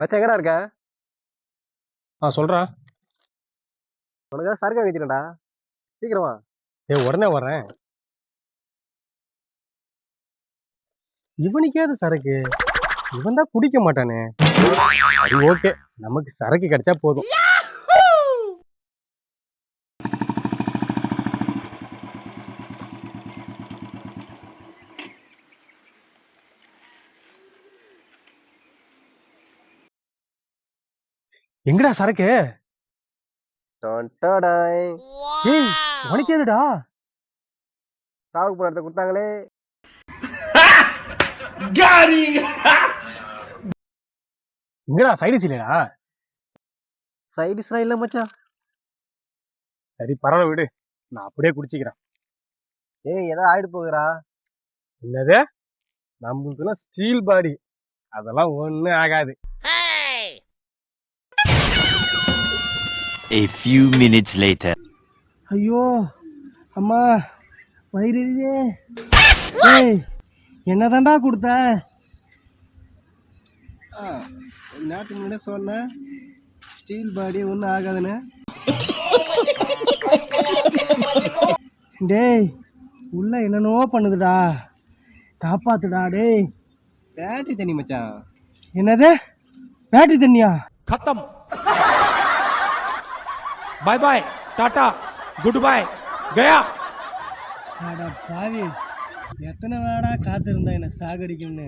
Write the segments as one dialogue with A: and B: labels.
A: மச்சான் எங்கடா இருக்க?
B: சொல்றா.
A: உனக்கு சரக்கு வைக்கிறேன்டா, சீக்கிரமா.
B: உடனே வரேன். இவனுக்கேது சரக்கு? இவன் தான் குடிக்க மாட்டானே. சரி ஓகே, நமக்கு சரக்கு கிடைச்சா போதும். எங்கடா சரக்கு? ஏய், உனக்கு எதுடா?
A: சாவுக்கு போன இடத்த கொடுத்தாங்களே.
B: எங்கடா சைடிஸ் இல்லையா?
A: சைடிஸ்லாம் இல்ல மச்சான்.
B: சரி பரவாயில்ல விடு, நான் அப்படியே குடிச்சிக்கிறேன்.
A: ஏய், ஏதோ ஆயிடு போகுறா.
B: என்னது? நம்மளுக்குலாம் ஸ்டீல் பாடி, அதெல்லாம் ஒண்ணும் ஆகாது.
C: A few minutes later.
B: ஐயோ அம்மா, வயிறு எரியுதே. ஏய், என்னதான்டா கொடுத்த?
A: நாட்டுக்கு முன்னாடியே சொன்னேன், ஸ்டீல் பாடி ஒன்றும் ஆகாதுன்னு.
B: டேய், உள்ள என்னென்னோ பண்ணுதுடா, காப்பாத்துடா. டேய்,
A: பேட்டரி தண்ணி மச்சான்.
B: என்னது பேட்டரி தண்ணியா?
D: खत्म। Bye bye, tata, good bye, गया।
B: அட பாவி, எத்தனை நாடா காத்திருந்தா என்ன சாகடிக்கும்னு.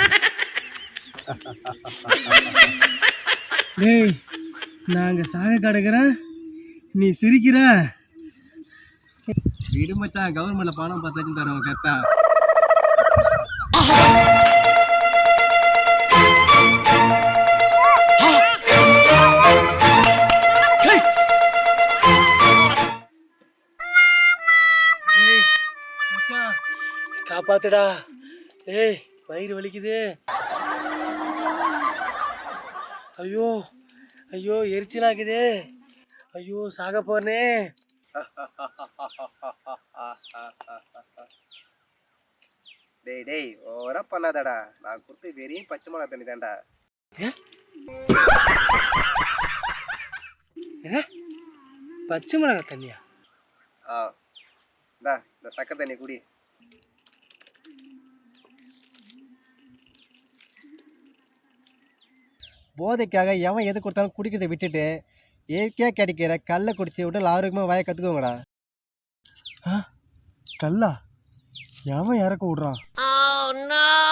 B: டேய், நாங்க சாக கிடக்குறேன், நீ சிரிக்கிற.
A: விடு மச்சான், கவர்மெண்ட்ல பணம் 10 லட்சம் தருவாங்க கரெக்டா.
B: காப்பாத்துடா. ஏய், வயிறு வலிக்குது. ஐயோ ஐயோ, எரிச்சலாக்குது. ஐயோ, சாக போறனே.
A: டேய் டேய், ஓவரா பண்ணாதடா. நான் கொடுத்து வெறும் பச்சை மிளகா தண்ணி தான்டா.
B: பச்சை மிளகா தண்ணியா?
A: இந்த சக்கரை தண்ணி குடி. போதைக்காக எவன் எது கொடுத்தாலும் குடிக்கிறதை விட்டுட்டு இயற்கையாக கிடைக்கிற கல்லை குடிச்சு உடல் ஆரோக்கியமாக வாய கற்றுக்கோங்கடா.
B: கல்லா? எவன் இறக்க விடுறான்?